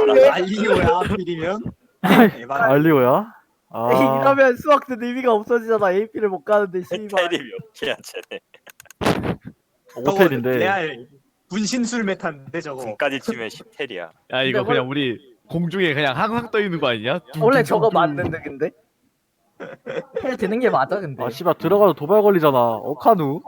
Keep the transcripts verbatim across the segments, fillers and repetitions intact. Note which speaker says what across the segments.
Speaker 1: 알리오야 하필이면. 에반.
Speaker 2: 알리오야? 아,
Speaker 3: 이러면 수학도 의미가 없어지잖아. 에이피를 못 가는데 씨발.
Speaker 4: 테리 몇 개야 쟤네.
Speaker 2: 오텔인데.
Speaker 1: 레알 분신술 메타인데 저거.
Speaker 4: 군까지 치면 십 텔이야.
Speaker 5: 야 이거
Speaker 3: 근데
Speaker 5: 그냥 우리 공중에 그냥 항상 떠 있는 거 아니냐?
Speaker 3: 원래 저거 맞는데 근데. 해 되는 게 맞아 근데.
Speaker 2: 아 씨발 들어가도 도발 걸리잖아. 어카누?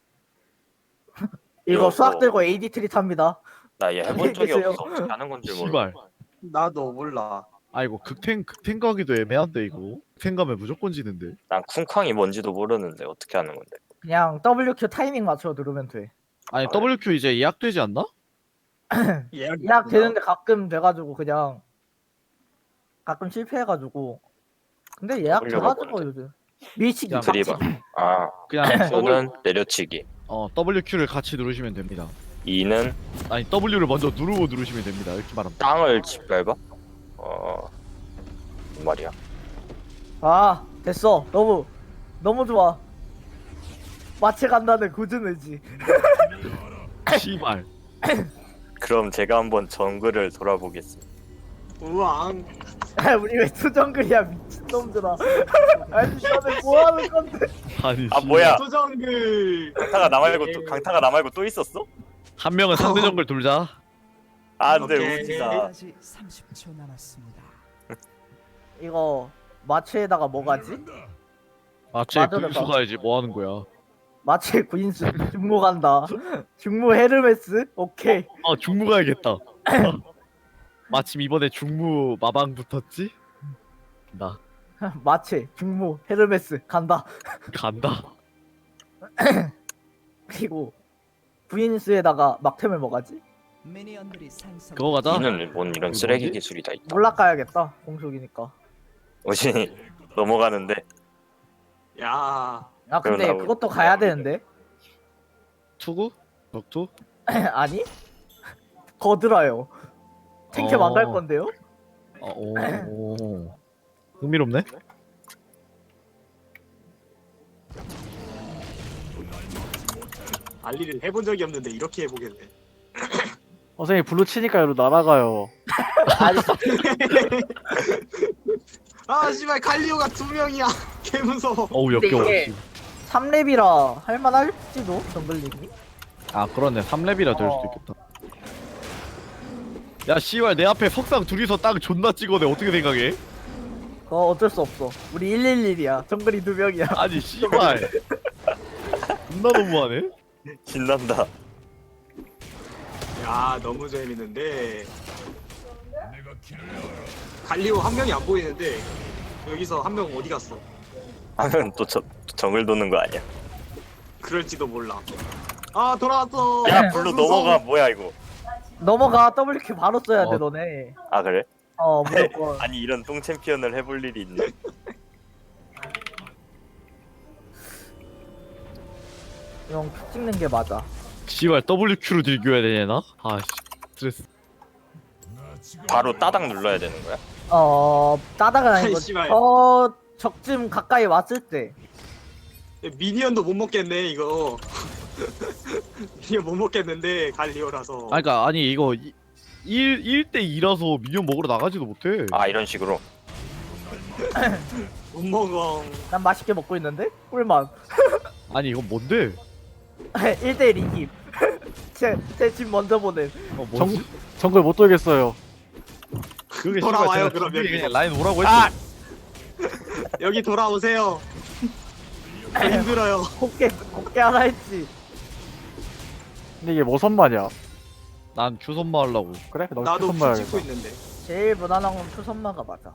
Speaker 3: 이거 수학 들고 에이디 트리 탑니다.
Speaker 4: 나 얘 해본 적이
Speaker 3: 알겠어요.
Speaker 4: 없어. 어떻게 하는 건지 몰라.
Speaker 5: 씨발.
Speaker 1: 나도 몰라.
Speaker 5: 아 이거 극탱 극탱 가기도 애매한데 이거. 극탱 가면 무조건 지는데.
Speaker 4: 난 쿵쾅이 뭔지도 모르는데 어떻게 하는 건데.
Speaker 3: 그냥 더블유큐 타이밍 맞춰 누르면 돼.
Speaker 5: 아니 더블유큐 이제 예약되지 않나?
Speaker 1: 예약
Speaker 3: 예약 되는데 가끔 돼가지고 그냥 가끔 실패해가지고. 근데 예약
Speaker 4: 올려봐
Speaker 3: 돼가지고
Speaker 4: 보는데.
Speaker 3: 요즘 밀치기.
Speaker 5: 야,
Speaker 4: 드리바. 아,
Speaker 5: 그냥 더블
Speaker 4: Q는 내려치기.
Speaker 5: 어 더블유큐를 같이 누르시면 됩니다.
Speaker 4: E는
Speaker 5: 아니 W를 먼저 누르고 누르시면 됩니다. 이렇게 말하면.
Speaker 4: 땅을 짓밟아. 어, 뭔 말이야?
Speaker 3: 아 됐어. 너무 너무 좋아. 마치 간다는 굳은 의지.
Speaker 5: 씨발.
Speaker 4: 그럼 제가 한번 정글을 돌아보겠습니다.
Speaker 1: 우왕.
Speaker 3: 우리 왜 투정글이야 미친놈들아. 아니 너네 뭐하는 건데.
Speaker 5: 아니
Speaker 4: 아
Speaker 5: 씨.
Speaker 4: 뭐야?
Speaker 1: 소정글.
Speaker 4: 강타가 나 말고 또 강타가 나 말고 또 있었어?
Speaker 5: 한 명은 상대 정글 돌자.
Speaker 4: 아, 근데
Speaker 1: 오케이.
Speaker 4: 웃기다.
Speaker 6: 아직 삼십 초 남았습니다.
Speaker 3: 이거 마취에다가 뭐 가지?
Speaker 5: 아쟤
Speaker 3: 맞아,
Speaker 5: 구인수
Speaker 3: 맞아.
Speaker 5: 가야지 뭐 하는 거야?
Speaker 3: 마취 구인수 중무 간다. 중무 헤르메스? 오케이.
Speaker 5: 아 중무 가야겠다. 마침 이번에 중무 마방 붙었지? 나
Speaker 3: 마취 중무 헤르메스 간다.
Speaker 5: 간다.
Speaker 3: 그리고 구인수에다가 막템을 뭐 가지?
Speaker 6: 미니언들이 생성.
Speaker 5: 그거 가자.
Speaker 4: E는 뭔 이런
Speaker 5: 그거
Speaker 4: 쓰레기
Speaker 5: 뭐지?
Speaker 4: 기술이 다 있다.
Speaker 3: 몰락 가야겠다. 공속이니까.
Speaker 4: 오신이 넘어가는데
Speaker 1: 야.
Speaker 3: 아 근데
Speaker 4: 그럼 나
Speaker 3: 그것도 가야 되는데.
Speaker 5: 투구? 덕투?
Speaker 3: 아니? 거들어요. 탱캡 안 갈
Speaker 5: 어.
Speaker 3: 건데요?
Speaker 5: 아, 오, 오. 흥미롭네.
Speaker 1: 알리를 해본 적이 없는데 이렇게 해보겠네.
Speaker 2: 선생님 블루 치니까 여기로 날아가요.
Speaker 3: 아니
Speaker 1: 아 씨발 갈리오가 두 명이야. 개 무서워.
Speaker 5: 어우
Speaker 3: 근데
Speaker 5: 역겨워.
Speaker 3: 이게 삼 렙이라 할만할지도 정글링이?
Speaker 5: 아 그렇네. 삼 렙이라 될 수도
Speaker 3: 어.
Speaker 5: 있겠다. 야 씨발 내 앞에 석상 둘이서 땅 존나 찍어내. 어떻게 생각해?
Speaker 3: 그거 어쩔 수 없어. 우리 일일일이야. 정글이 두 명이야.
Speaker 5: 아니 씨발. 존나 너무하네.
Speaker 4: 신난다.
Speaker 1: 야 너무 재밌는데. 갈리오 한 명이 안 보이는데 여기서 한 명 어디 갔어?
Speaker 4: 하면 또 저, 정글 도는 거 아니야?
Speaker 1: 그럴지도 몰라. 아 돌아왔어.
Speaker 4: 야 블루
Speaker 1: 무서워.
Speaker 4: 넘어가. 뭐야 이거?
Speaker 3: 넘어가 더블큐 바로 써야 돼
Speaker 5: 어.
Speaker 3: 너네.
Speaker 4: 아 그래?
Speaker 3: 어 무조건.
Speaker 4: 아니 이런 똥 챔피언을 해볼 일이 있네.
Speaker 3: 이건 큐 찍는 게 맞아.
Speaker 5: 씨발 더블유큐로 딜교해야 되나? 아씨 스트레스.
Speaker 4: 바로 따닥 눌러야 되는 거야?
Speaker 3: 어 따다가 아니고
Speaker 1: 아이, 씨발.
Speaker 3: 저 적쯤 가까이 왔을 때.
Speaker 1: 미니언도 못 먹겠네 이거. 미니언 못 먹겠는데 갈리오라서.
Speaker 5: 아 그니까 아니 이거 일 대 이라서 미니언 먹으러 나가지도 못해.
Speaker 4: 아 이런 식으로.
Speaker 1: 못 먹어.
Speaker 3: 난 맛있게 먹고 있는데? 꿀맛.
Speaker 5: 아니 이건 뭔데?
Speaker 3: 일 대 일 이김. 제집 먼저 보낸.
Speaker 5: 어
Speaker 2: 정,
Speaker 5: 뭐지?
Speaker 2: 정글 못 돌겠어요.
Speaker 5: 그게
Speaker 1: 돌아와요,
Speaker 5: 씨발
Speaker 1: 그럼
Speaker 5: 제가
Speaker 1: 여기로.
Speaker 5: 그냥 라인 오라고 했어.
Speaker 4: 아!
Speaker 1: 여기 돌아오세요. 저 힘들어요.
Speaker 3: 곱게 곱게 하나 했지.
Speaker 2: 근데 이게 뭐 선마냐?
Speaker 5: 난 큐선마 하려고.
Speaker 2: 그래? 너
Speaker 1: 나도
Speaker 2: 선마야.
Speaker 1: 피 찍고 있는데.
Speaker 3: 제일 무난한 건 투선마가 맞아.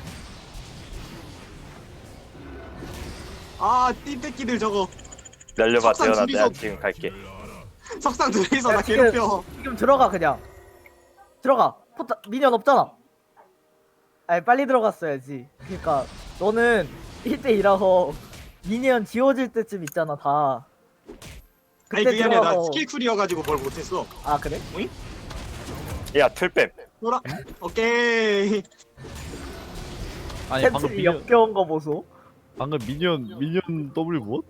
Speaker 1: 아 띠새끼들 저거.
Speaker 4: 날려봐
Speaker 1: 석상
Speaker 4: 태연아.
Speaker 1: 둘이서-
Speaker 4: 내가 지금 갈게.
Speaker 1: 석상 둘이서
Speaker 3: 야,
Speaker 1: 나
Speaker 3: 지금-
Speaker 1: 괴롭혀.
Speaker 3: 지금 들어가 그냥. 들어가. 포타 미니언 없잖아. 아니 빨리 들어갔어야지. 그러니까 너는 일 대 이라서 미니언 지워질 때쯤 있잖아 다.
Speaker 1: 아니
Speaker 3: 그때
Speaker 1: 그게 아니라 나
Speaker 3: 들어가서-
Speaker 1: 스킬 쿨이어가지고 뭘 못했어.
Speaker 3: 아 그래?
Speaker 4: 야 틀뱀.
Speaker 1: 돌아. 오케이.
Speaker 5: 아니 방금
Speaker 3: 템트리
Speaker 5: 미니언
Speaker 3: 역겨운 거 보소.
Speaker 5: 방금 미니언 미니언 W 무엇?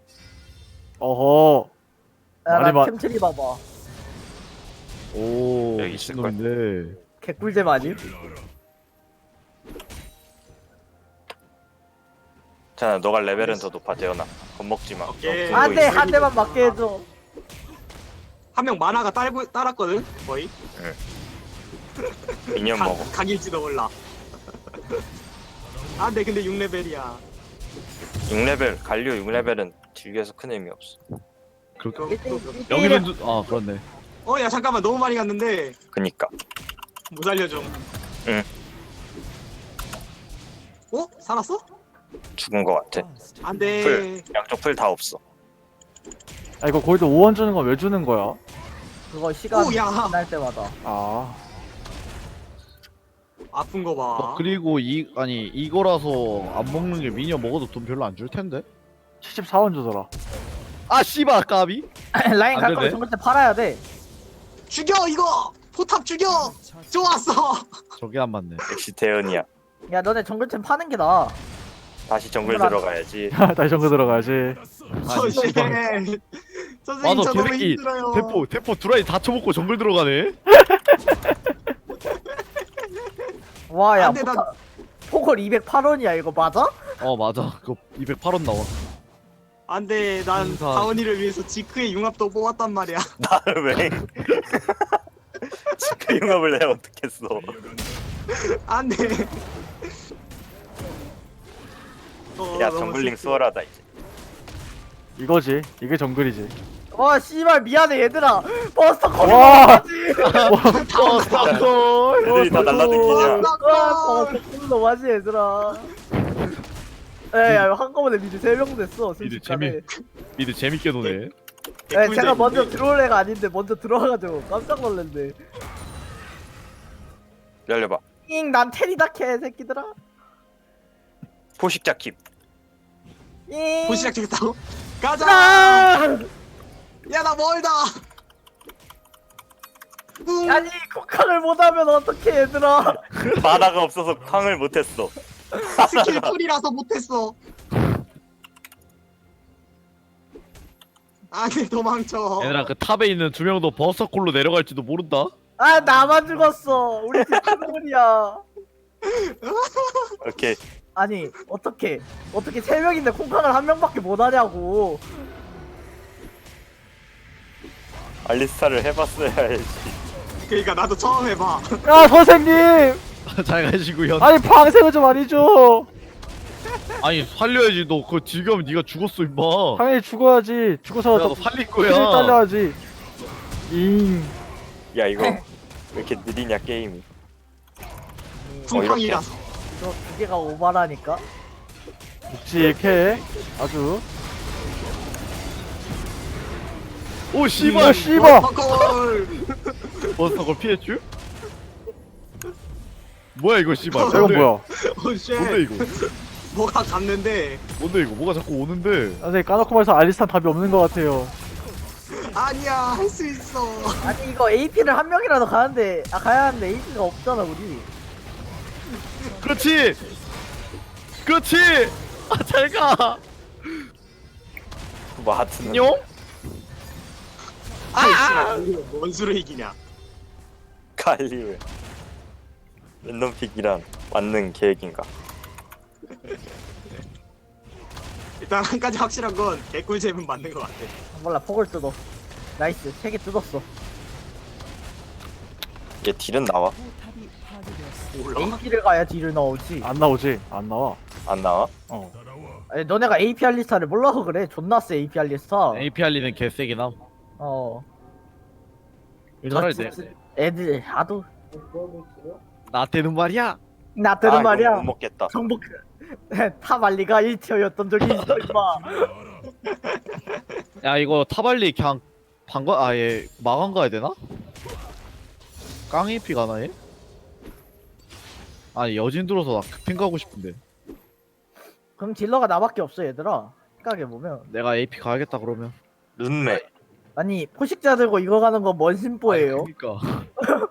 Speaker 2: 어허.
Speaker 3: 야,
Speaker 2: 많이
Speaker 3: 나
Speaker 2: 봐-
Speaker 3: 템트리 봐봐.
Speaker 5: 오
Speaker 4: 여기 있을걸?
Speaker 5: 미친놈인데.
Speaker 3: 개꿀잼 아님?
Speaker 4: 자, 너가 레벨은 더 높아 재현아. 겁먹지 마.
Speaker 1: 오케이.
Speaker 4: 너
Speaker 3: 안돼
Speaker 4: 그거 있어.
Speaker 3: 한 대만 맞게 해줘.
Speaker 1: 한 명 만화가 딸고 따랐거든 거의.
Speaker 4: 미니언
Speaker 1: 각-
Speaker 4: 먹어.
Speaker 1: 각일지도 몰라. 안돼 근데 육 레벨이야.
Speaker 4: 육 레벨 갈리오 육 레벨은 딜교에서 큰 의미 없어.
Speaker 5: 그렇게
Speaker 3: 일 대 일, 일 대
Speaker 5: 여기는
Speaker 3: 일이야.
Speaker 5: 두- 아 그렇네.
Speaker 1: 어야 잠깐만 너무 많이 갔는데
Speaker 4: 그니까.
Speaker 1: 못 알려줘.
Speaker 4: 응.
Speaker 1: 어? 살았어?
Speaker 4: 죽은 거 같아.
Speaker 1: 안돼.
Speaker 4: 풀 양쪽 풀 다 없어.
Speaker 2: 아 이거 골드 오 원 주는 건 왜 주는 거야?
Speaker 3: 그거 시간
Speaker 1: 오, 야.
Speaker 3: 지날 때마다.
Speaker 2: 아
Speaker 1: 아픈 거 봐.
Speaker 5: 어, 그리고 이 아니 이거라서 안 먹는 게 미니언 먹어도 돈 별로 안 줄 텐데.
Speaker 2: 칠십사 원 주더라.
Speaker 5: 아 씨발 까비.
Speaker 3: 라인
Speaker 5: 안
Speaker 3: 갈 거면
Speaker 5: 되네.
Speaker 3: 정글 때 팔아야 돼.
Speaker 1: 죽여 이거. 포탑 죽여. 좋았어.
Speaker 5: 저게 안 맞네.
Speaker 4: 역시 대현이야.
Speaker 3: 야 너네 정글템 파는 게 나아.
Speaker 4: 다시 정글
Speaker 3: 정글 안-
Speaker 4: 들어가야지.
Speaker 2: 다시 정글 들어가야지.
Speaker 5: 아니,
Speaker 1: 선생.
Speaker 5: 씨발.
Speaker 1: 선생님
Speaker 5: 맞아
Speaker 1: 저 너무
Speaker 5: 개새끼.
Speaker 1: 힘들어요.
Speaker 5: 대포 대포 드라이 다 쳐먹고 정글 들어가네.
Speaker 3: 와야
Speaker 1: 안돼 나
Speaker 3: 포컬 이백팔 원이야 이거 맞아?
Speaker 5: 어 맞아. 그거 이백팔 원 나와.
Speaker 1: 안돼 난
Speaker 5: 인사.
Speaker 1: 다원이를 위해서 지크의 융합도 뽑았단 말이야.
Speaker 4: 나를 왜? 지크 융합을 내가 어떻겠어?
Speaker 1: 안돼. 어,
Speaker 4: 야
Speaker 1: 너무
Speaker 4: 정글링
Speaker 1: 슬프다.
Speaker 4: 수월하다 이제.
Speaker 2: 이거지. 이게 정글이지.
Speaker 3: 와 씨발 미안해 얘들아. 버스터 콜.
Speaker 2: 와.
Speaker 5: 어 스타콜.
Speaker 4: 애들이 다 날라다니냐?
Speaker 3: 와 버스터 너무하지 얘들아. 에야 한꺼번에 미드 세 명 됐어.
Speaker 5: 미드
Speaker 3: 순식간에.
Speaker 5: 재미 미드 재밌게 노네.
Speaker 3: 에
Speaker 1: 개꿀잼인데.
Speaker 3: 제가 먼저 들어올 애가 아닌데 먼저 들어와가지고 깜짝 놀랐네.
Speaker 4: 열려봐.
Speaker 3: 잉난 테리다 캐 새끼들아.
Speaker 4: 포식자 킵.
Speaker 3: 잉.
Speaker 1: 보시작 되겠다고? 가자.
Speaker 3: 아!
Speaker 1: 야 나 멀다. 뿡.
Speaker 3: 아니 국항을 못하면 어떡해 얘들아.
Speaker 4: 만화가 없어서 쾅을 못했어.
Speaker 1: 스킬 풀이라서 못했어. 안돼 도망쳐.
Speaker 5: 얘들아 그 탑에 있는 두 명도 버서콜로 내려갈지도 모른다.
Speaker 3: 아 나만 죽었어. 우리 팀 큰물이야.
Speaker 4: 오케이.
Speaker 3: 아니 어떻게 어떻게 세 명인데 콩캉을 한 명밖에 못 하냐고.
Speaker 4: 알리스타를 해봤어야지.
Speaker 1: 그러니까 나도 처음 해봐.
Speaker 2: 야 선생님.
Speaker 5: 잘 가시고요.
Speaker 2: 아니 방생을 좀 아니죠.
Speaker 5: 아니 살려야지. 너 그거 지금 네가 죽었어 임마.
Speaker 2: 당연히 죽어야지. 죽어서
Speaker 5: 내가
Speaker 2: 너
Speaker 5: 너 살릴
Speaker 2: 피를
Speaker 5: 거야.
Speaker 2: 딸려야지. 잉.
Speaker 4: 야 이거 왜 이렇게 느리냐 게임이.
Speaker 1: 쿵팡이라서.
Speaker 3: 이거 두 개가 오바라니까.
Speaker 2: 묵직해. 아주.
Speaker 5: 오
Speaker 2: 야
Speaker 5: 씨발.
Speaker 2: 씨발.
Speaker 1: 헐.
Speaker 5: 버서콜 피했쥬? 뭐야 이거 씨발.
Speaker 2: 이건 뭐야?
Speaker 1: 오쉣.
Speaker 5: 뭔데 이거?
Speaker 1: 뭐가 갔는데.
Speaker 5: 뭔데 이거? 뭐가 자꾸 오는데?
Speaker 2: 선생님 까놓고 말해서 알리스탄 답이 없는 것 같아요.
Speaker 1: 아니야 할 수 있어.
Speaker 3: 아니 이거 에이피를 한 명이라도 가는데 아 가야 하는데 에이피가 없잖아 우리.
Speaker 5: 그렇지. 그렇지. 아 잘 가.
Speaker 4: 뭐 하트는.
Speaker 5: 안녕.
Speaker 1: 아! 뭔 수를 이기냐.
Speaker 4: 갈리오. 랜덤 픽이란 맞는 계획인가?
Speaker 1: 일단 한 가지 확실한 건 개꿀잼은 맞는 것 같아.
Speaker 3: 몰라 폭을 뜯어. 나이스 세 개 뜯었어.
Speaker 4: 얘 딜은 나와?
Speaker 6: 포탑이 파괴되었습니다.
Speaker 1: 몰라.
Speaker 3: 에이피를 가야 딜을 나오지.
Speaker 2: 안 나오지? 안 나와.
Speaker 4: 안 나와?
Speaker 2: 어.
Speaker 3: 아니 너네가 에이피 알리스타를 몰라서 그래. 존나 세 에이피 알리스타.
Speaker 5: 에이피알리는 개세긴 함.
Speaker 3: 어.
Speaker 5: 차라리
Speaker 3: 저
Speaker 5: 내
Speaker 3: 진짜 애들 하도
Speaker 5: 나한테는 말이야.
Speaker 3: 나 때는
Speaker 4: 아, 이거
Speaker 3: 말이야.
Speaker 4: 못 먹겠다.
Speaker 3: 정복 타발리가 일 티어였던 적이 있어 임마.
Speaker 5: 야 이거 타발리 그냥 방관 아예 마감 가야 되나? 깡에이피 가나 얘? 아니 여진 들어서 나 급행 가고 싶은데.
Speaker 3: 그럼 딜러가 나밖에 없어 얘들아. 생각해 보면.
Speaker 5: 내가 에이피 가야겠다 그러면.
Speaker 4: 룬메.
Speaker 3: 아니 포식자 들고 이거 가는 건 뭔 심보예요?
Speaker 5: 아니, 그러니까.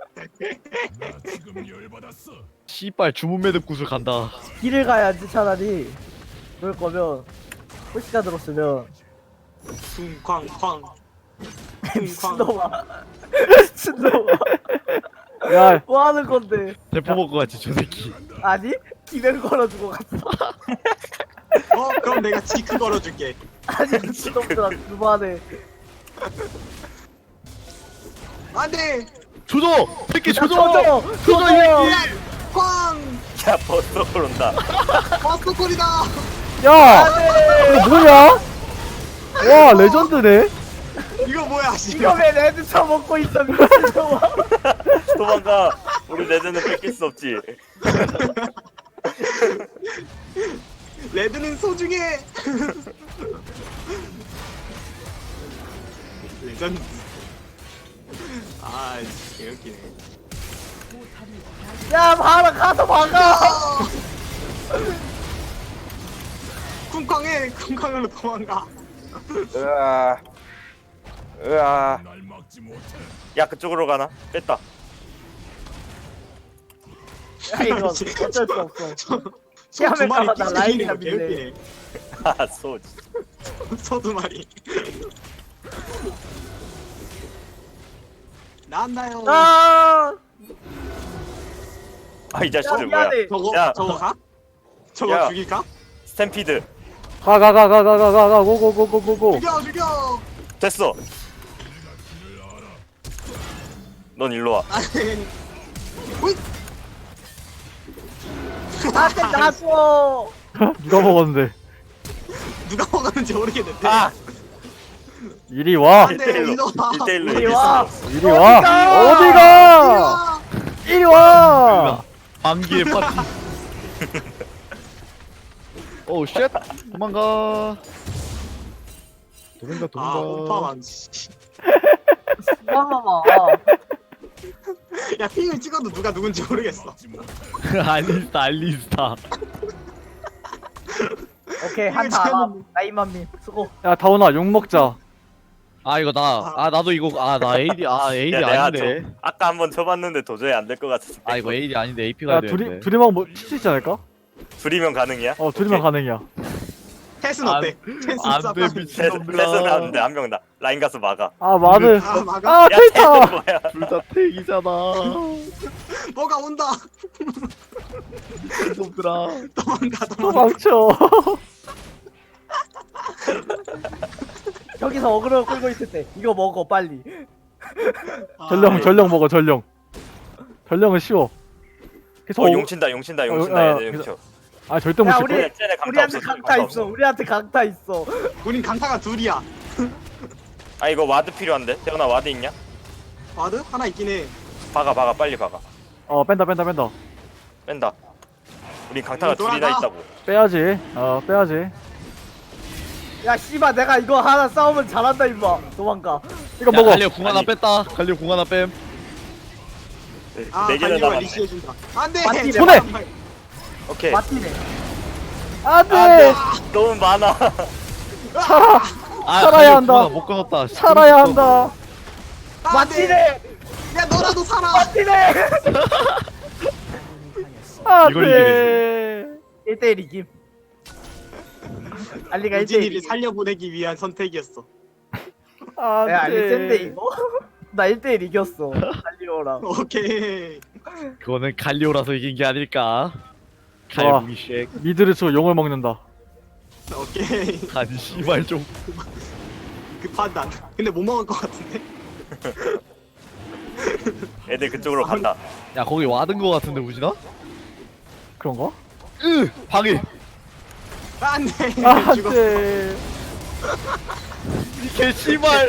Speaker 5: 씨발 주문 매듭 구슬 간다.
Speaker 3: 딜을 가야지 차라리. 그럴 거면 포식자 들었으면
Speaker 1: 쿵쾅쾅. 쿵쾅.
Speaker 3: 미친놈아. 미친놈아.
Speaker 2: 야,
Speaker 3: 뭐 하는 건데?
Speaker 5: 대포 먹고 갔지 저 새끼.
Speaker 3: 아니? 기면 걸어주고 갔어.
Speaker 1: 어 그럼 내가 지크 걸어줄게.
Speaker 3: 아니 미친놈들아 그만해.
Speaker 1: 안돼.
Speaker 5: 조져! 새끼
Speaker 3: 야,
Speaker 5: 조져!
Speaker 3: 조져!
Speaker 5: 조져 이 새끼!
Speaker 1: 꽝.
Speaker 4: 야 버스 온다.
Speaker 1: 버스콜이다.
Speaker 2: 야, 이거 뭐냐? 와, 레전드네.
Speaker 1: 이거 뭐야?
Speaker 3: 이거
Speaker 1: 씨발.
Speaker 3: 왜 레드 쳐먹고 있어 미친놈아.
Speaker 4: 도망가. 우리 레드는 뺏길 수 없지.
Speaker 1: 레드는 소중해. 레전드. 아, 개웃기네.
Speaker 3: 야 봐라 가서 막아.
Speaker 1: 쿵쾅해, 쿵쾅으로 도망가.
Speaker 4: 으아. 으아. 야 그쪽으로 가나? 뺐다.
Speaker 3: 야 이거 어쩔 수 없어.
Speaker 1: 소 두 마리
Speaker 3: 야, 나
Speaker 1: 뛰어다니는 거
Speaker 3: 라인이나 밀래.
Speaker 1: 개웃기네.
Speaker 4: 아 소지.
Speaker 1: 소 두 마리. 나왔나요?
Speaker 3: 아.
Speaker 4: 아 이
Speaker 3: 야
Speaker 4: 자식들 뭐야?
Speaker 3: 미안해.
Speaker 1: 저거
Speaker 4: 야.
Speaker 1: 저거 가? 저거
Speaker 4: 야.
Speaker 1: 죽일까?
Speaker 4: 스탬피드.
Speaker 2: 가, 가, 가, 가, 가, 가, 가, 가, 고, 고, 고, 고, 고, 고.
Speaker 1: 죽여 죽여.
Speaker 4: 됐어. 넌 일로 와.
Speaker 1: 아니. 오이.
Speaker 3: 나한테 놔줘.
Speaker 2: 누가 먹었는데?
Speaker 1: 누가 먹었는지 모르겠는데.
Speaker 4: 아.
Speaker 2: 이리 와.
Speaker 1: 안 돼,
Speaker 4: 일대일로.
Speaker 1: 이리 와.
Speaker 4: 일대일로
Speaker 3: 이리
Speaker 4: 이길 수
Speaker 3: 와.
Speaker 4: 없어.
Speaker 2: 이리 와. 어디가? 이리 와.
Speaker 5: 방귀의 파티. 오우 쉣! 도망가. 도망가
Speaker 1: 아,
Speaker 5: 도망가.
Speaker 1: 오빠만. 씨.
Speaker 3: 봐봐봐.
Speaker 1: 야, 핑을 찍어도 누가 누군지 모르겠어.
Speaker 5: 알리스타 알리스타.
Speaker 3: 오케이 한타 알아. 나이만민 수고.
Speaker 2: 야, 다운아, 욕 먹자.
Speaker 5: 아 이거 나 아 나도 이거 아 나 에이디 아 에이디
Speaker 4: 야 내가
Speaker 5: 아닌데.
Speaker 4: 좀 아까 한번 쳐봤는데 도저히 안 될 것 같아서.
Speaker 5: 아 이거 에이디 아닌데 에이피가
Speaker 2: 야,
Speaker 5: 되는데.
Speaker 2: 둘이, 둘이만 뭐, 칠 수 있지 않을까?
Speaker 4: 둘이면 가능이야?
Speaker 2: 어, 둘이만 가능이야.
Speaker 1: 햇은
Speaker 5: 안-
Speaker 1: 어때? 햇은
Speaker 5: 안
Speaker 1: 쌉-
Speaker 5: 돼,
Speaker 1: 쌉-
Speaker 5: 미친.
Speaker 4: 패스는 하는데 한 명 나. 라인 가서 막아.
Speaker 2: 아, 마드.
Speaker 1: 아, 막아.
Speaker 2: 아,
Speaker 4: 야
Speaker 2: 케이타.
Speaker 4: 쟤는 뭐야?
Speaker 5: 둘 다 택이잖아.
Speaker 1: 뭐가 온다.
Speaker 5: 놈들아.
Speaker 1: 도망가, 도망가.
Speaker 2: 도망쳐.
Speaker 3: 여기서 어그로 끌고 있을 때 이거 먹어 빨리.
Speaker 1: 아,
Speaker 2: 전령, 전령 먹어, 전령. 전령은 쉬워. 계속
Speaker 4: 어
Speaker 2: 어-
Speaker 4: 용친다 용친다
Speaker 2: 어,
Speaker 4: 용친다
Speaker 2: 어,
Speaker 4: 얘들
Speaker 2: 그래서-
Speaker 4: 용쳐.
Speaker 2: 아, 절대 못
Speaker 3: 야,
Speaker 2: 칠
Speaker 3: 우리-
Speaker 2: 거야.
Speaker 4: 쟤네 쟤네 강타
Speaker 3: 우리한테
Speaker 4: 없어.
Speaker 3: 강타 있어. 우리한테 강타 있어.
Speaker 1: 우린 강타가 둘이야.
Speaker 4: 아 이거 와드 필요한데? 태훈아 와드 있냐?
Speaker 1: 와드? 하나 있긴 해.
Speaker 4: 박아 박아 빨리 박아.
Speaker 2: 어, 뺀다, 뺀다, 뺀다.
Speaker 4: 뺀다. 우린 강타가
Speaker 1: 이거
Speaker 4: 둘이나
Speaker 1: 돌아가.
Speaker 4: 있다고.
Speaker 2: 빼야지. 어, 빼야지.
Speaker 3: 야 씨발 내가 이거 하나 싸우면 잘한다 임마. 도망가.
Speaker 2: 이거
Speaker 5: 야,
Speaker 2: 먹어.
Speaker 5: 갈려 궁 하나
Speaker 4: 아니.
Speaker 5: 뺐다. 갈려 궁 하나 뺨.
Speaker 4: 네,
Speaker 1: 아,
Speaker 4: 네 개는
Speaker 1: 달리가
Speaker 4: 남았네.
Speaker 1: 리시해준다. 안 돼!
Speaker 3: 맞지,
Speaker 2: 손에!
Speaker 4: 오케이.
Speaker 3: 맞지네.
Speaker 2: 안 돼.
Speaker 4: 안돼. 너무 많아.
Speaker 2: 살아.
Speaker 5: 아,
Speaker 2: 살아야
Speaker 5: 갈려
Speaker 2: 한다.
Speaker 5: 궁 하나 못 끊었다.
Speaker 2: 살아야 한다.
Speaker 3: 맞지네.
Speaker 1: 야, 너라도 살아!
Speaker 3: 맞지네.
Speaker 2: 안
Speaker 5: 이걸
Speaker 2: 돼.
Speaker 3: 일 대 일 이김. 알리가 일 대
Speaker 1: 우진이를
Speaker 3: 일.
Speaker 1: 살려보내기 위한 선택이었어.
Speaker 2: 안
Speaker 3: 야 알리 센데
Speaker 2: 돼.
Speaker 3: 이거? 나 일 대 일 이겼어. 알리오랑.
Speaker 1: 오케이.
Speaker 5: 그거는 갈리오라서 이긴 게 아닐까.
Speaker 2: 좋아.
Speaker 5: 갈무기 쉑.
Speaker 2: 미드를 치고 용을 먹는다.
Speaker 1: 오케이.
Speaker 5: 아니 씨발 좀.
Speaker 1: 그 판단. 근데 못 먹을 것 같은데?
Speaker 4: 애들 그쪽으로 간다.
Speaker 5: 야 거기 와든 거 같은데 우진아?
Speaker 2: 그런가?
Speaker 5: 으 방해.
Speaker 1: 안 돼!
Speaker 2: 안
Speaker 1: 죽었어.
Speaker 2: 돼.
Speaker 5: 이개 씨발.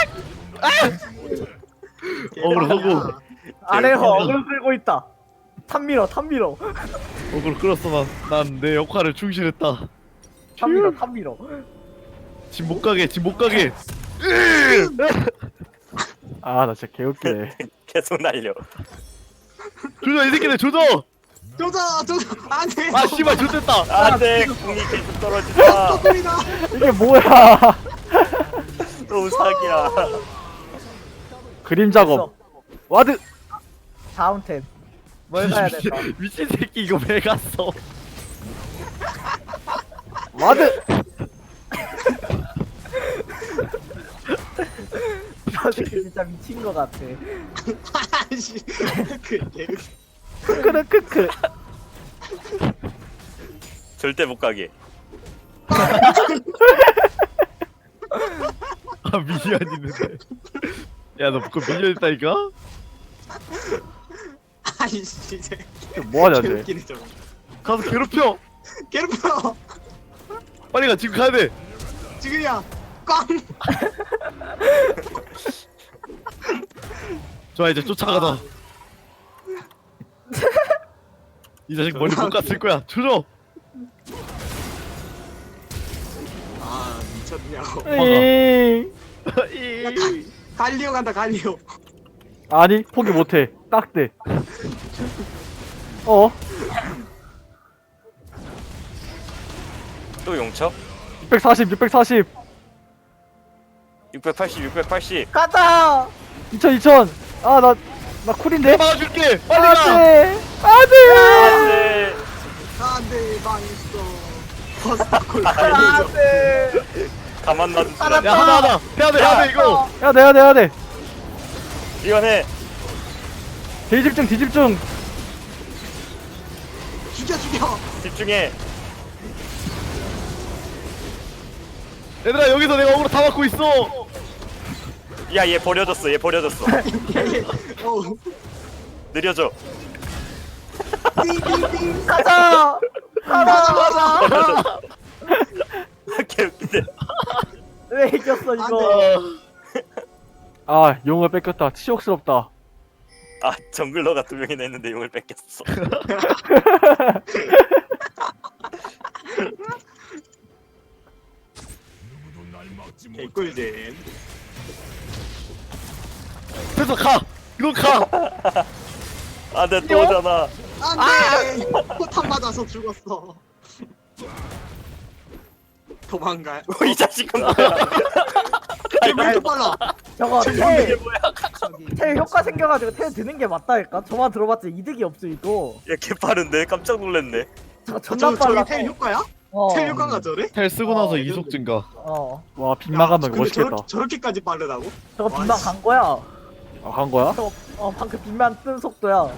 Speaker 5: 어그로 성공.
Speaker 3: 아래서 어그로 끌고 있다. 탑 밀어 탑 밀어.
Speaker 5: 어그로 끌었어 난 내 역할을 충실했다.
Speaker 3: 탑 밀어 탑 밀어.
Speaker 5: 집 못 가게 집 못 가게.
Speaker 2: 아, 나 진짜 개웃기네.
Speaker 4: 계속 날려.
Speaker 5: 조져 이 새끼들 조져.
Speaker 1: 조져! 조져! 안 돼!
Speaker 5: 아 씨발 조졌다.
Speaker 4: 안돼. 공이 계속 떨어진다.
Speaker 1: 소리다!
Speaker 2: 이게 뭐야?
Speaker 4: 너무 사기야.
Speaker 2: 그림 작업. 와드.
Speaker 3: 다음 템. 뭘 가야 될까?
Speaker 5: 미친 새끼 이거 왜 갔어?
Speaker 2: 와드.
Speaker 3: 저 새끼 진짜 미친 거 같아.
Speaker 1: 아씨 그 개그
Speaker 2: 크크르 크크.
Speaker 4: 절대 못 가게.
Speaker 5: 아 미니언 있는데. 야너 그거 미니언 있다니까?
Speaker 1: 아이씨 이제
Speaker 2: 뭐하냐 쟤.
Speaker 1: 개웃기네 저거.
Speaker 5: 가서 괴롭혀.
Speaker 1: 괴롭혀.
Speaker 5: 빨리 가 지금 가야 돼.
Speaker 1: 지금이야. 꽝.
Speaker 5: 좋아 이제 쫓아가자. 이 자식 멀리 못 갔을 거야. 조져.
Speaker 1: 아 미쳤냐고.
Speaker 2: 에이.
Speaker 1: 갈리오 간다 갈리오.
Speaker 2: 아니 포기 못해. 딱대. 어?
Speaker 4: 또 용쳐?
Speaker 2: 육백사십 육백사십.
Speaker 4: 육백팔십, 육백팔십.
Speaker 3: 가자.
Speaker 2: 이천 이천. 아 나 나 쿨인데.
Speaker 5: 막아줄게. 빨리 가.
Speaker 2: 안돼. 안돼.
Speaker 4: 안돼.
Speaker 1: 안돼 망했어. 버스콜 갈리오.
Speaker 3: 안돼.
Speaker 4: 가만 놔둔 줄
Speaker 5: 야
Speaker 4: 알았네.
Speaker 5: 하나 하나. 해야 돼 해야 돼 이거.
Speaker 2: 야 내야 내야 돼.
Speaker 4: 이건 해.
Speaker 2: 뒤집중 뒤집중.
Speaker 1: 죽여 죽여.
Speaker 4: 집중해.
Speaker 5: 얘들아 여기서 내가 어그로 다 막고 있어.
Speaker 4: 야, 얘 버려졌어. 얘 버려졌어.
Speaker 1: 예예. 어.
Speaker 4: 느려져.
Speaker 1: 띵띵띵.
Speaker 3: 가자.
Speaker 1: 가자 가자.
Speaker 4: 개웃기네.
Speaker 3: 왜 이겼어 이거?
Speaker 2: 아 용을 뺏겼다. 치욕스럽다.
Speaker 4: 아, 정글러가 두 명이나 있는데 용을 뺏겼어.
Speaker 1: 개꿀잼.
Speaker 5: 그래서 가. 이거 가.
Speaker 4: 아, 내 또 오잖아.
Speaker 1: 안돼. 포탄 맞아서 죽었어. 도망가.
Speaker 4: 어, 이 자식은 뭐야?
Speaker 1: 왜 이렇게 빨라?
Speaker 3: 저거
Speaker 4: 이게
Speaker 3: 텔,
Speaker 4: 뭐야?
Speaker 3: 텔 효과 생겨가지고 텔 드는 게 맞다니까? 저만 들어봤자 이득이 없어 이거.
Speaker 4: 얘 개빠른데? 깜짝 놀랐네.
Speaker 3: 저거
Speaker 1: 저
Speaker 3: 존나
Speaker 1: 저기
Speaker 3: 빨라.
Speaker 1: 텔 효과야?
Speaker 3: 어.
Speaker 1: 텔 효과가 저래?
Speaker 5: 텔 쓰고 나서
Speaker 1: 어,
Speaker 5: 이속 증가.
Speaker 3: 어.
Speaker 2: 와 빗나가면
Speaker 1: 근데
Speaker 2: 멋있겠다.
Speaker 1: 저렇게, 저렇게까지 빠르다고?
Speaker 3: 저거
Speaker 1: 와,
Speaker 3: 빗만
Speaker 1: 씨.
Speaker 3: 간 거야.
Speaker 2: 아, 간 거야?
Speaker 3: 저거 어 방금 빗만 뜬 속도야.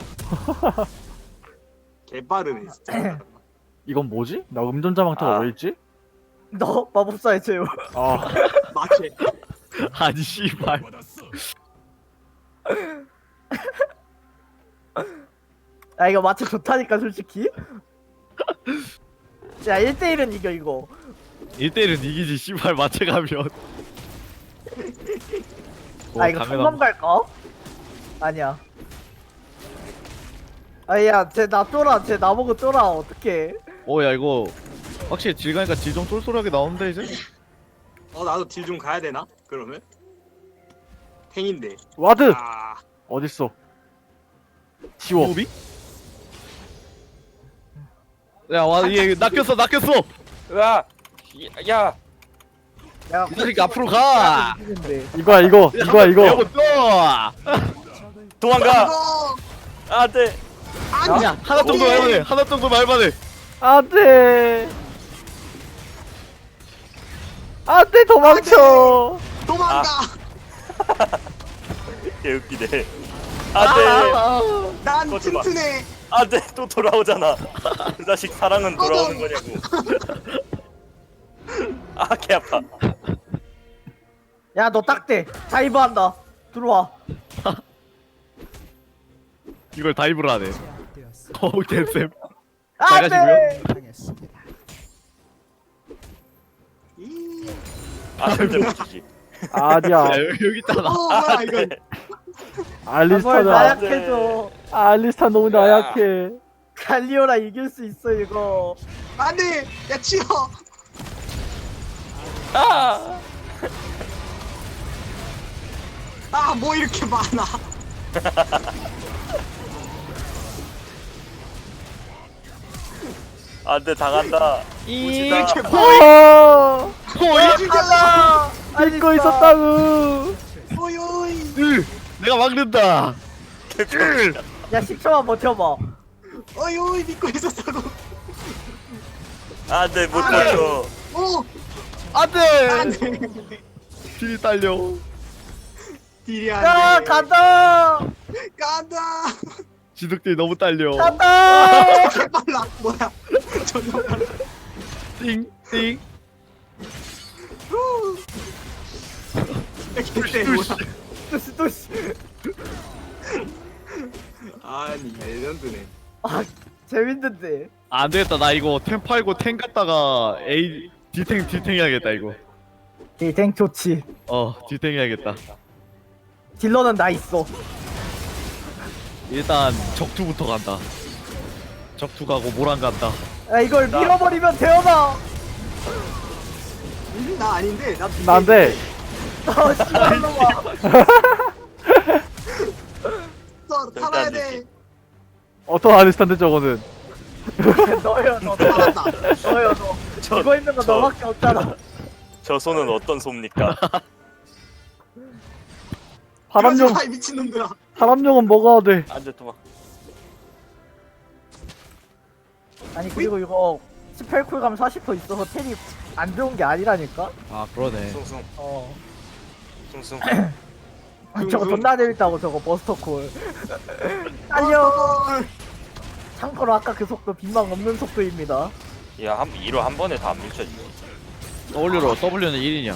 Speaker 1: 개빠르네 진짜.
Speaker 2: 이건 뭐지? 나 음전자 망토가
Speaker 4: 아.
Speaker 2: 왜 있지?
Speaker 3: 너 마법사의 제우.
Speaker 2: 아
Speaker 1: 마케.
Speaker 5: 아니 씨발.
Speaker 3: 야 이거 마치 좋다니까 솔직히. 야 일 대 일은 이겨 이거.
Speaker 5: 일 대 일은 이기지 씨발 마체 가면.
Speaker 3: 아 이거 성남 갈까? 아니야. 아야 쟤 나 쫄아. 쟤 나보고 쫄아. 어떡해.
Speaker 5: 어야 이거 확실히 질 가니까 질 좀 쏠쏠하게 나오는데 이제.
Speaker 1: 어 나도 딜 좀 가야 되나? 그러면? 탱인데.
Speaker 2: 와드
Speaker 1: 아
Speaker 2: 어딨어? 지워.
Speaker 5: 호비? 야와얘 낚였어 낚였어.
Speaker 4: 으아! 야!
Speaker 3: 야
Speaker 5: 이 자식 앞으로 가.
Speaker 3: 이기는데.
Speaker 2: 이거야 이거 이거야 이거.
Speaker 5: 이거 또.
Speaker 4: 도망가!
Speaker 1: 이거
Speaker 4: 아, 네.
Speaker 1: 아니
Speaker 5: 야 하나 정도 말만해. 하나 정도 말만해.
Speaker 2: 안돼. 안돼 도망쳐.
Speaker 1: 도망가.
Speaker 4: 개웃기네. 아, 네.
Speaker 1: 난
Speaker 4: 꺼지 마.
Speaker 1: 튼튼해.
Speaker 4: 아, 네. 또 돌아오잖아. 그 자식 사랑은 돌아오는 거냐고. 아, 개 아파.
Speaker 3: 야 너 딱대. 다이브 한다. 들어와.
Speaker 5: 이걸 다이브를 하네.
Speaker 6: 제압되었습니다.
Speaker 5: 어우 개쌤.
Speaker 3: 안돼.
Speaker 5: 나가시고요.
Speaker 6: 당했습니다.
Speaker 1: 이...
Speaker 4: 아, 절대 못 지지.
Speaker 2: 아니야.
Speaker 5: 야 여기 여기 있잖아.
Speaker 1: 어 뭐야 이건.
Speaker 3: 뭘
Speaker 2: 알리스타는
Speaker 3: 나약해져.
Speaker 2: 알리스타 너무 나약해.
Speaker 3: 갈리오라 이길 수 있어 이거.
Speaker 1: 안돼. 야 치워.
Speaker 4: 아!
Speaker 1: 아 뭐 이렇게 많아.
Speaker 4: 안 돼, 당한다.
Speaker 1: 이렇게
Speaker 4: 무지다.
Speaker 1: 뭐
Speaker 2: 어.
Speaker 5: 호이.
Speaker 1: 죽였어.
Speaker 2: 믿고 있었다고.
Speaker 1: 오이 오이.
Speaker 5: 으, 내가 막는다.
Speaker 4: 개병이야.
Speaker 3: 야 십 초만 버텨봐.
Speaker 1: 오이 오이 믿고 있었다고.
Speaker 4: 안 돼, 못
Speaker 1: 안 돼.
Speaker 4: 버텨.
Speaker 1: 오
Speaker 5: 안돼.
Speaker 1: 안돼.
Speaker 5: 딜이 딸려.
Speaker 1: 딜이
Speaker 3: 야
Speaker 1: 안돼.
Speaker 3: 간다
Speaker 1: 간다.
Speaker 5: 지득들이 너무 딸려.
Speaker 3: 간다
Speaker 1: 개빨라. 뭐야? 존나 빨라.
Speaker 5: 띵띵.
Speaker 1: 개쎄 뭐야?
Speaker 3: 또씨 또씨
Speaker 1: 아니 레전드네.
Speaker 3: 아 재밌는데
Speaker 5: 안 되겠다. 나 이거 템 팔고 탱 갔다가 A 디탱 디탱 해야겠다 이거.
Speaker 3: 이탱 좋지
Speaker 5: 어 디탱 해야겠다.
Speaker 3: 딜러는 나 있어
Speaker 5: 일단 적투부터 간다. 적투 가고 모란 간다.
Speaker 3: 야 이걸 밀어버리면 되어나
Speaker 1: 음, 나 아닌데 나.
Speaker 2: 난데
Speaker 3: 어 씨발 놈아
Speaker 1: 써 살아야 돼.
Speaker 2: 어떤 아리스탄데 저거는.
Speaker 3: 너요 너
Speaker 1: 살았다.
Speaker 3: 너요 너 죽어 있는 거
Speaker 4: 저-
Speaker 3: 너밖에 없잖아
Speaker 4: 저 손은 어떤 솜니까?
Speaker 2: 사람용
Speaker 1: 아 미친놈들아.
Speaker 2: 사람용은 먹어야 돼.
Speaker 4: 안돼 도망.
Speaker 3: 아니 그리고 이거 십팔 쿨 가면 사십 퍼센트 있어서 텔이 안 좋은 게 아니라니까
Speaker 5: 아 그러네.
Speaker 4: 숭숭
Speaker 3: 어
Speaker 4: 숭숭.
Speaker 3: 아, 저거 존나 재밌다고 저거 버스터 콜 달려
Speaker 1: 어,
Speaker 3: 참고로 아까 그 속도 빈망 없는 속도입니다
Speaker 4: 야한 이로 한 번에 다 안 밀쳐지지.
Speaker 5: W로 W는 일이냐?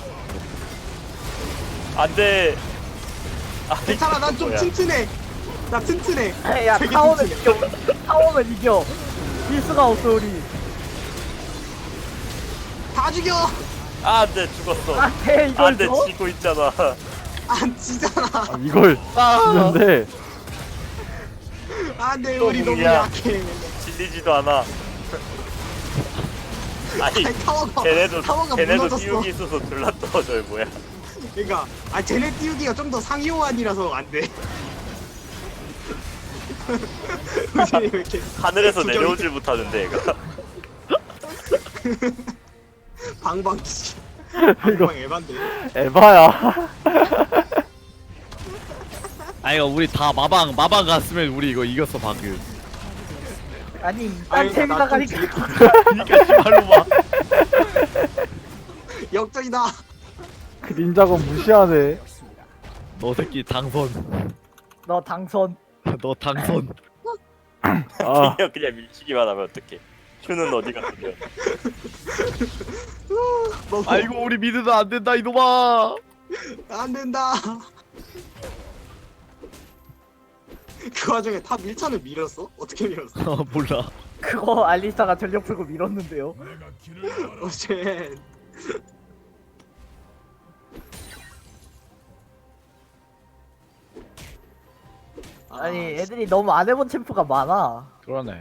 Speaker 4: 안돼. 아
Speaker 1: 괜찮아 난 좀
Speaker 4: 뭐야.
Speaker 1: 튼튼해. 나 튼튼해.
Speaker 3: 야
Speaker 1: 되게
Speaker 3: 타워는
Speaker 1: 튼튼해.
Speaker 3: 이겨 타워는 이겨 필수가 없어 우리
Speaker 1: 다 죽여.
Speaker 4: 아, 안돼 죽었어.
Speaker 3: 안돼 이걸
Speaker 4: 안돼
Speaker 3: 줘?
Speaker 4: 지고 있잖아.
Speaker 1: 안 지잖아.
Speaker 2: 아, 이걸 지는데
Speaker 1: 안돼
Speaker 4: 또
Speaker 1: 우리 너무
Speaker 4: 공이야.
Speaker 1: 약해.
Speaker 4: 질리지도 않아. 아니
Speaker 1: 아니 타워가
Speaker 4: 걔네도
Speaker 1: 타워가
Speaker 4: 걔네도
Speaker 1: 무너졌어.
Speaker 4: 띄우기 있어서 둘라 떨어져 뭐야.
Speaker 1: 그러니까 아 쟤네 띄우기가 좀 더 상위 호환이라서 안 돼. 우진이 왜 이렇게
Speaker 4: 하늘에서
Speaker 1: 구경이-
Speaker 4: 내려오질 못하는데 얘가.
Speaker 1: 방방 씨.
Speaker 2: 이거
Speaker 1: 방방 에반데.
Speaker 2: 에바야.
Speaker 5: 아 이거 우리 다 마방 마방 갔으면 우리 이거 이겼어 방금.
Speaker 3: 아니
Speaker 1: 아니,
Speaker 3: 딴 템이다
Speaker 1: 나
Speaker 3: 가니까
Speaker 5: 그니까 씨발로 봐.
Speaker 1: 역전이다.
Speaker 2: 그 닌자건 무시하네.
Speaker 5: 너 새끼 당선.
Speaker 3: 너 당선
Speaker 5: 너 당선.
Speaker 2: 아
Speaker 4: 그냥 그냥 밀치기만 하면 어떡해. 큐는 어디 갔어요?
Speaker 1: 먹어.
Speaker 5: 아이고 우리 미드는 안 된다 이놈아.
Speaker 1: 안 된다. 그 와중에 탑 일 차는 밀었어? 어떻게 밀었어?
Speaker 5: 어 몰라.
Speaker 3: 그거 알리스타가 전력 풀고 밀었는데요
Speaker 1: 어제
Speaker 3: 아니 애들이 너무 안 해본 챔프가 많아
Speaker 5: 그러네.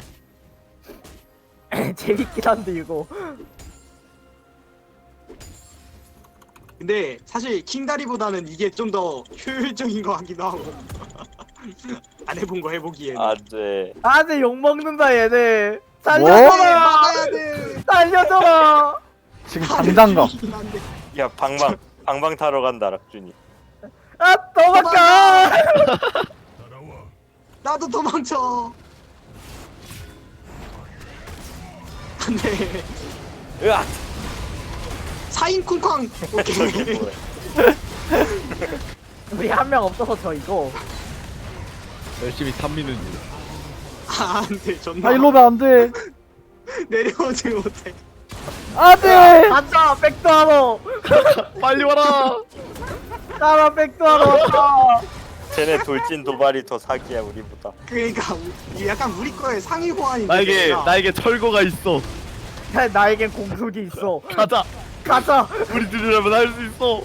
Speaker 3: 재밌긴 한데 이거
Speaker 1: 근데 사실 킹다리보다는 이게 좀 더 효율적인 것 같기도 하고. 안 해본 거 해보기에는.
Speaker 4: 안돼.
Speaker 3: 아내 욕먹는다 얘네
Speaker 2: 뭐?
Speaker 3: 살려줘라
Speaker 1: 막아야 돼.
Speaker 3: 살려줘라
Speaker 2: 지금 당장 가.
Speaker 1: 죽이긴 한데.
Speaker 4: 야 방방 방방 타러 간다 락준이.
Speaker 3: 아 도망가
Speaker 1: 나도 도망쳐. 안돼.
Speaker 4: 으악.
Speaker 1: 사인 쿵쾅. 오케이.
Speaker 4: 뭐야.
Speaker 3: 우리 한 명 없어서 저 이거
Speaker 5: 열심히 탐미는 중.
Speaker 1: 아 안돼 존나.
Speaker 2: 아 일로 오면 안 돼.
Speaker 1: 내려오지 못해.
Speaker 2: 안 돼.
Speaker 3: 간다 백도하러
Speaker 5: 빨리 와라.
Speaker 3: 따라 백도하러
Speaker 4: 쟤네 돌진 도발이 더 사기야 우리보다.
Speaker 1: 그러니까 우- 이게 약간 우리 거의 상위 호환인데.
Speaker 5: 나에게
Speaker 1: 내가.
Speaker 5: 나에게 철거가 있어.
Speaker 3: 나에겐 공속이 있어
Speaker 5: 가자.
Speaker 3: 가자
Speaker 5: 우리 들으려면 할 수 있어.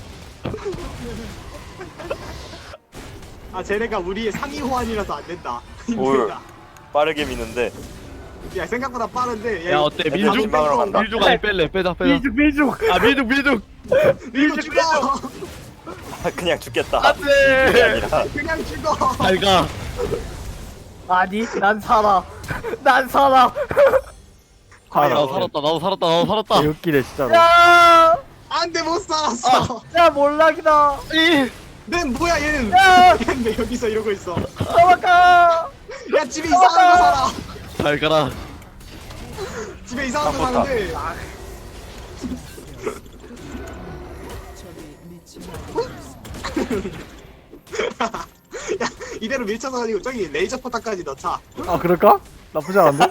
Speaker 1: 아 쟤네가 우리의 상위 호환이라서 안 된다.
Speaker 4: 뭘.
Speaker 1: 힘들다.
Speaker 4: 빠르게 미는데.
Speaker 1: 야 생각보다 빠른데.
Speaker 5: 야 어때
Speaker 4: 애들
Speaker 5: 밀죽
Speaker 4: 민방으로 간다.
Speaker 5: 밀죽 아니 뺄래 빼자 빼자.
Speaker 3: 밀죽 밀죽
Speaker 5: 아 밀죽 밀죽.
Speaker 1: 밀고 죽어.
Speaker 4: 그냥 죽겠다. 그게
Speaker 5: 안돼.
Speaker 4: 아니라.
Speaker 1: 그냥 죽어.
Speaker 5: 잘 가.
Speaker 3: 아니 난 살아 난 살아
Speaker 5: 아,
Speaker 1: 과연.
Speaker 5: 나도 살았다 나도 살았다 나도 살았다.
Speaker 2: 개웃기네 진짜로.
Speaker 3: 야,
Speaker 1: 안돼 못 살았어.
Speaker 3: 야 몰락이다
Speaker 5: 이.
Speaker 1: 내 뭐야 얘는.
Speaker 3: 야
Speaker 1: 얘는 왜 여기서 이러고 있어.
Speaker 3: 도망가
Speaker 1: 야 집에 이상한 거 살아.
Speaker 5: 잘 가라.
Speaker 1: 집에 이상한 거
Speaker 4: 깜빡다.
Speaker 1: 사는데.
Speaker 6: 적이 미친
Speaker 1: 야 이대로 밀쳐서 가지고 저기 레이저 포탑까지 넣자.
Speaker 2: 아 그럴까? 나쁘지 않은데?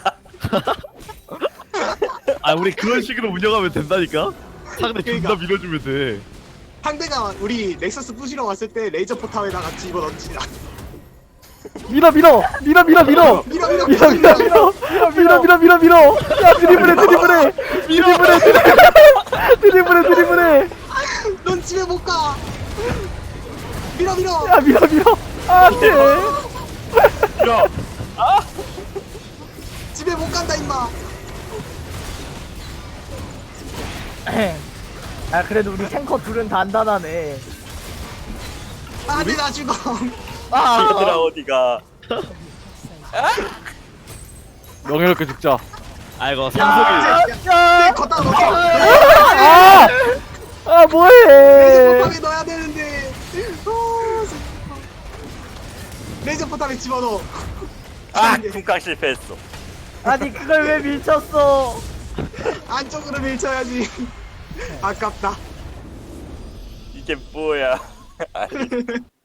Speaker 5: 아 우리 그런 식으로 운영하면 된다니까. 상대
Speaker 1: 그러니까.
Speaker 5: 존나 밀어주면 돼.
Speaker 1: 상대가 우리 넥서스 부시러 왔을 때 레이저 포탑에다가 집어 넣지라.
Speaker 2: 밀어 밀어 밀어 밀어 밀어
Speaker 1: 밀어 밀어
Speaker 2: 밀어 밀어 밀어 밀어 밀어 밀어 밀어 야 드리블해 드리블해 드리블해 드리블해 드리블해
Speaker 1: 넌 집에 못 가. 밀어 밀어.
Speaker 2: 야 밀어 밀어 안돼
Speaker 4: 밀어.
Speaker 1: 집에 못 간다 임마.
Speaker 3: 아 그래도 우리 탱커 둘은 단단하네.
Speaker 1: 안돼 나 죽어.
Speaker 3: 아,
Speaker 4: 얘들아 어디가?
Speaker 2: 명예롭게 죽자
Speaker 5: 아이고 삼성이.
Speaker 1: 내 걷다 놓자.
Speaker 2: 아! 아
Speaker 1: 레이저
Speaker 2: 뭐해
Speaker 1: 포탑에 넣어야 되는데. 어, 레이저 포탑에 집어넣어.
Speaker 4: 아 쿵깡 실패했어.
Speaker 3: 아니 그걸 왜 밀쳤어?
Speaker 1: 안쪽으로 밀쳐야지. 아깝다.
Speaker 4: 이게 뭐야? 아니,